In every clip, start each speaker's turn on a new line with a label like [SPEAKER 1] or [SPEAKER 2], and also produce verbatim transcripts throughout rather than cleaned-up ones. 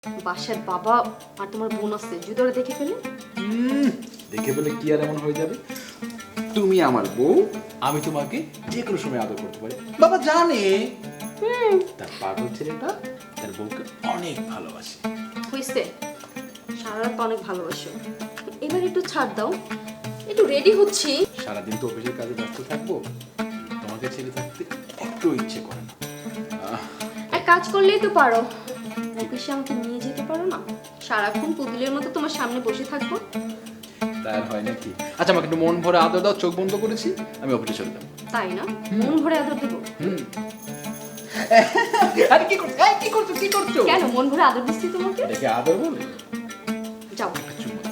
[SPEAKER 1] বাসার বাবা আর তোমার বোন আছে, যদি ওরা দেখে ফেলে?
[SPEAKER 2] হুম, দেখে ফেলে কি আর এমন হয়ে যাবে? তুমি আমার বউ, আমি তোমাকে যে কোনো সময় আদর করতে পারি। বাবা জানে তার পাগল ছেলেটা তার বউকে অনেক ভালোবাসে।
[SPEAKER 1] হইছে, সারা রাত অনেক ভালোবাসো, এবার একটু ছাড় দাও, একটু রেডি হচ্ছি।
[SPEAKER 2] সারাদিন তো অফিসের কাজে ব্যস্ত থাকবো, তোমাকে ছেড়ে থাকতে একটু ইচ্ছে করে না। আহ,
[SPEAKER 1] এক কাজ করলেই তো পারো, অফিসে আমাকে নিয়ে যেতে পারো না? সারাক্ষণ পুতুলের মতো তোমার সামনে বসে থাকবো।
[SPEAKER 2] তার হয় নাকি? আচ্ছা, আমাকে একটু মন ভরে আদর দাও, চোখ বন্ধ করেছি, আমি অফিসে চলে যাবো।
[SPEAKER 1] তাই না? মন ভরে আদর দেবো?
[SPEAKER 2] হুম। আরে কি করছো? এই, কি করছো? কি করছো?
[SPEAKER 1] কেন মন ভরে আদর দিচ্ছি তোমাকে?
[SPEAKER 2] দেখে আদর বলে?
[SPEAKER 1] যাও।
[SPEAKER 2] চুম্মা।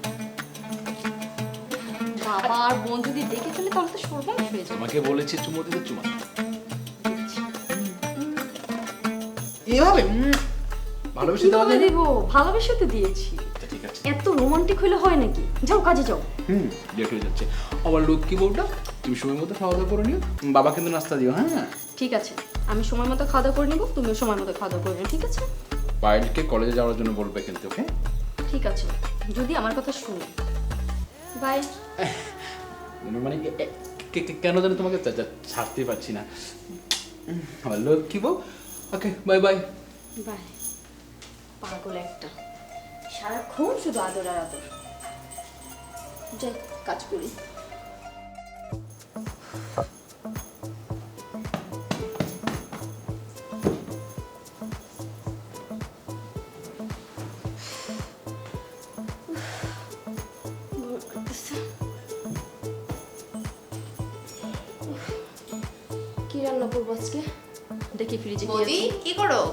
[SPEAKER 1] বাবা আর বোন যদি দেখে ফেলে তাহলে তো সর্বনাশ হয়ে যাবে।
[SPEAKER 2] তোমাকে বলেছি চুমো দিতে, চুমা দাও। এভাবে উম, ভালোবেসে দেওয়া
[SPEAKER 1] কিভাবে
[SPEAKER 2] যায় না?
[SPEAKER 1] দেবো? ভালোবেসে তো দিয়েছি।
[SPEAKER 2] আচ্ছা, ঠিক আছে।
[SPEAKER 1] এত রোমান্টিক হলে হয় নাকি? যাও কাজে যাও।
[SPEAKER 2] হুম, লেট হয়ে যাচ্ছে। আমার লক্ষ্মী বউটা, তুমি সময় মতো খাওয়া দাওয়া করে নিও। বাবা কিন্তু নাস্তা দিও, হ্যাঁ?
[SPEAKER 1] ঠিক আছে, আমি সময় মতো খাওয়া দাওয়া করে নিবো, তুমিও সময় মতো খাওয়া দাওয়া করে নিও, ঠিক আছে?
[SPEAKER 2] পায়েলকে কলেজে যাওয়ার জন্য বলবে কিন্তু, ওকে?
[SPEAKER 1] ঠিক আছে, যদি আমার কথা শুনে। বাই।
[SPEAKER 2] মানে এ- এ- কে- কে- কেন জানি তোমাকে চা- চা- ছাড়তেই পারছি না। উম, আমার লক্ষ্মী বউ, ওকে, বাই বাই।
[SPEAKER 1] বাই। পাগল একটা, সারাক্ষণ শুধু আদর আর আদর। যাই কাজ করি। ভোর করতেছে। উফ, কি রান্না করবো আজকে? দেখি ফ্রিজে কি
[SPEAKER 3] বৌদি
[SPEAKER 1] আছে।
[SPEAKER 3] কি করো?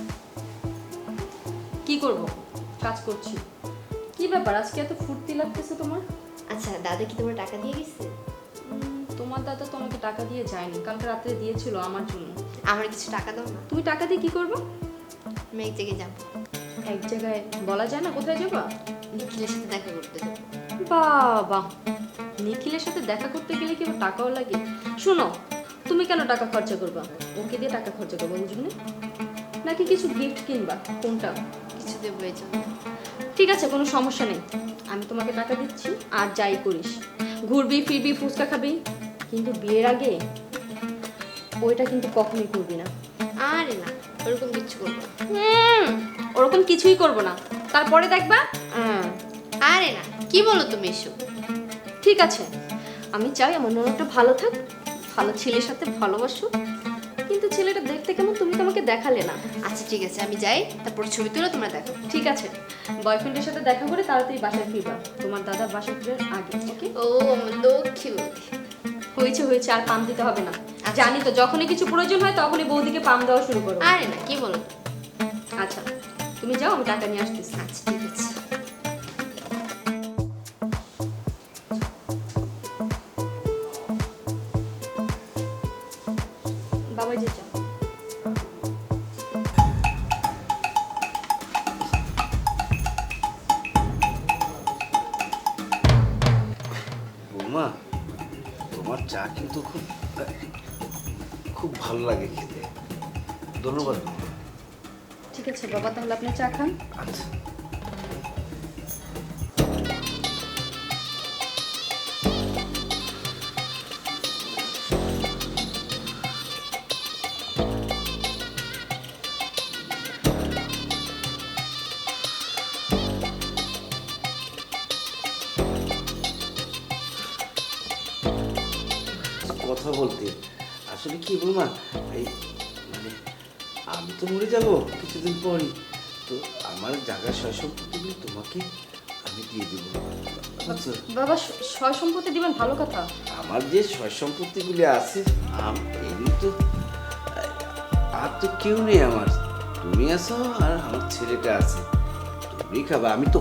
[SPEAKER 1] কি করব? কাজ করছি। কি ব্যাপার আজকে এত ফুর্তি লাগতেছে তোমার?
[SPEAKER 3] আচ্ছা, দাদা কি তোমার টাকা দিয়ে গেছে?
[SPEAKER 1] উম, তোমার দাদা তো আমাকে টাকা দিয়ে যায়নি, কালকে রাত্রে দিয়েছিল আমার জন্য।
[SPEAKER 3] আমার কিছু টাকা দাও না,
[SPEAKER 1] তুমি টাকা দিয়ে কি করবে?
[SPEAKER 3] আমি এক জায়গায় যাবো,
[SPEAKER 1] এক জায়গায় বলা যায় না কোথায় যাবা?
[SPEAKER 3] নিখিলের সাথে দেখা করতে যাবো।
[SPEAKER 1] বাবা, নিখিলের সাথে দেখা করতে গেলে কি আবার টাকাও লাগে? শোনো, তুমি কেন টাকা খরচা করবা? ওকে দিয়ে টাকা খরচা করবো ওর জন্য, নাকি কিছু গিফট কিনবা? কোনটা?
[SPEAKER 3] কিছু দেবো এই জন্য।
[SPEAKER 1] ঠিক আছে, কোনো সমস্যা নেই, আমি তোমাকে টাকা দিচ্ছি, আর যাই করিস, ঘুরবি ফিরবি ফুচকা খাবি, কিন্তু বিয়ের আগে ওইটা কিন্তু কখনোই করবি না।
[SPEAKER 3] আরে না, ওরকম কিছু করবো না।
[SPEAKER 1] হুম, ওরকম কিছুই করব না, তারপরে দেখবা। হুম,
[SPEAKER 3] আরে না, কি বলো তুমি এসব?
[SPEAKER 1] ঠিক আছে, আমি চাই আমার ননদটা ভালো থাক, ভালো ছেলের সাথে ভালোবাসো, কিন্তু ছেলেটা দেখতে কেমন তুমি তো আমাকে দেখালে না।
[SPEAKER 3] আচ্ছা ঠিক আছে, আমি যাই, তারপর ছবি তুলে তোমরা দেখো।
[SPEAKER 1] ঠিক আছে, বয়ফ্রেন্ডের সাথে দেখা করে তাড়াতাড়ি বাসায় ফিরবা, তোমার দাদার বাসায় ফিরার আগে, ওকে?
[SPEAKER 3] ও আমার লক্ষ্মী বৌদি।
[SPEAKER 1] হয়েছে হয়েছে, আর পাম দিতে হবে না।
[SPEAKER 3] আচ্ছা।
[SPEAKER 1] জানি তো, যখনই কিছু প্রয়োজন হয় তখনই বৌদিকে পাম দেওয়া শুরু করো।
[SPEAKER 3] আরে না, কি বলো?
[SPEAKER 1] আচ্ছা, তুমি যাও, আমি টাকা নিয়ে আসতেছি।
[SPEAKER 3] আচ্ছা ঠিক আছে।
[SPEAKER 1] বাবা যে যাও।
[SPEAKER 4] বৌমা, তোমার চা কিন্তু খুব খুব ভালো লাগে খেতে। ধন্যবাদ বৌমা।
[SPEAKER 1] ঠিক আছে বাবা, তাহলে আপনি চা খান।
[SPEAKER 4] আচ্ছা। কথা বলতে আসলে কি বৌমা, এই মানে আমি তো মরে যাব কিছুদিন পরই, তো আমার জায়গা সয় সম্পত্তিগুলো তোমাকে আমি দিয়ে দেবো, আচ্ছা?
[SPEAKER 1] বাবা, সয় সম্পত্তি দিবেন, ভালো কথা।
[SPEAKER 4] আমার যে সয় সম্পত্তিগুলি আছে, আম- এমনি তো আর তো কেউ নেই আমার, তুমি আছো আর আমার ছেলেটা আছে, তুমি খাবা, আমি তো